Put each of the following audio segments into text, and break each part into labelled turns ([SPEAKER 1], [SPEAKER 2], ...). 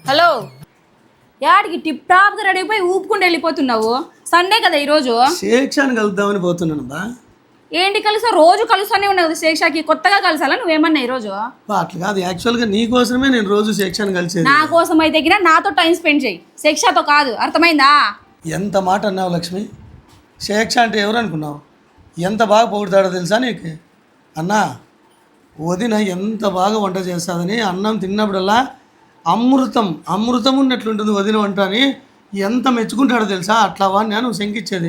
[SPEAKER 1] Hello, యాడికి tip టాప్గా ready అయిపోయి ఊపుకుంటూ వెళ్ళిపోతున్నావు? సండే కదా ఈరోజు.
[SPEAKER 2] శేక్షాన్ని కలుద్దామని పోతున్నాను బా.
[SPEAKER 1] ఏంటి కలిసా? రోజు కలుస్తానే ఉన్నావు కదా శేక్షాకి, కొత్తగా కలిసాలా నువ్వేమన్నా ఈరోజు?
[SPEAKER 2] అట్లా కాదు, యాక్చువల్గా నీ కోసమే నేను రోజు శేక్షాన్ని కలిసేది.
[SPEAKER 1] నా కోసం అయితే గిన నాతో టైం స్పెండ్ చేయి, శేక్షతో కాదు. అర్థమైందా?
[SPEAKER 2] ఎంత మాట అన్నావు లక్ష్మి. శేక్ష అంటే ఎవరు అనుకున్నావు? ఎంత బాగా పొగుడుతాడో తెలుసా నీకు? అన్నా, వదిన ఎంత బాగా వంట చేస్తుందని అన్నం తిన్నప్పుడల్లా అమృతం అమృతం ఉన్నట్లుంటుంది వదిన వంట అని ఎంత మెచ్చుకుంటాడో తెలుసా? అట్లా వాడిని నువ్వు శంకిచ్చేది.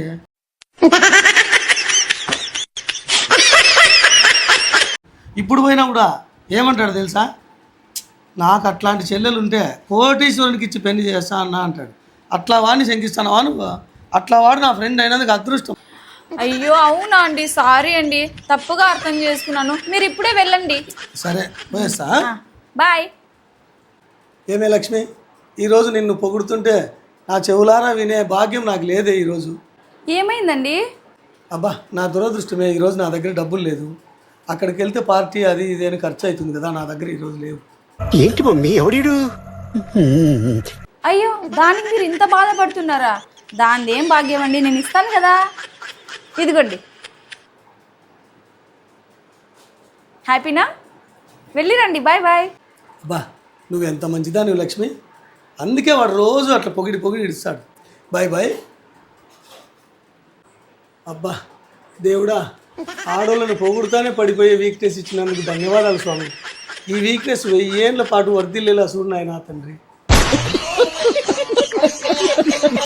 [SPEAKER 2] ఇప్పుడు పోయినా కూడా ఏమంటాడు తెలుసా? నాకు అట్లాంటి చెల్లెలు ఉంటే కోటీశ్వరునికి ఇచ్చి పెళ్లి చేస్తా అన్నా అంటాడు. అట్లా వాడిని శంకిస్తానవా నువ్వు? అట్లా వాడు నా ఫ్రెండ్ అయినందుకు అదృష్టం.
[SPEAKER 1] అయ్యో అవునా అండి, సారీ అండి, తప్పుగా అర్థం చేసుకున్నాను. మీరు ఇప్పుడే వెళ్ళండి.
[SPEAKER 2] సరే పోయేస్తా.
[SPEAKER 1] బాయ్.
[SPEAKER 2] ఏమే లక్ష్మి, ఈరోజు నిన్ను పొగుడుతుంటే నా చెవులారా వినే భాగ్యం నాకు లేదే ఈరోజు.
[SPEAKER 1] ఏమైందండి?
[SPEAKER 2] అబ్బా, నా దురదృష్టమే. ఈరోజు నా దగ్గర డబ్బులు లేదు. అక్కడికి వెళ్తే పార్టీ అది ఇది అని ఖర్చు అవుతుంది కదా, నా దగ్గర ఈరోజు లేవు.
[SPEAKER 3] ఏంటి మమ్మీ ఎవడీడు?
[SPEAKER 1] అయ్యో, దానికి మీరు ఇంత బాధపడుతున్నారా? దానిది ఏం భాగ్యం అండి, నేను ఇస్తాను కదా. ఇదిగోండి. హ్యాపీనా? వెళ్ళిరండి. Bye bye.
[SPEAKER 2] అబ్బా, నువ్వు ఎంత మంచిదానివి లక్ష్మి. అందుకే వాడు రోజు అట్లా పొగిడి పొగిడి ఇస్తాడు. Bye bye. అబ్బా దేవుడా, ఆడోళ్ళను పొగుడుతానే పడిపోయే వీక్నెస్ ఇచ్చినందుకు ధన్యవాదాలు స్వామి. ఈ వీక్నెస్ 1000 ఏళ్ల పాటు వర్ధిల్లేలా చూడు నాయనా తండ్రి.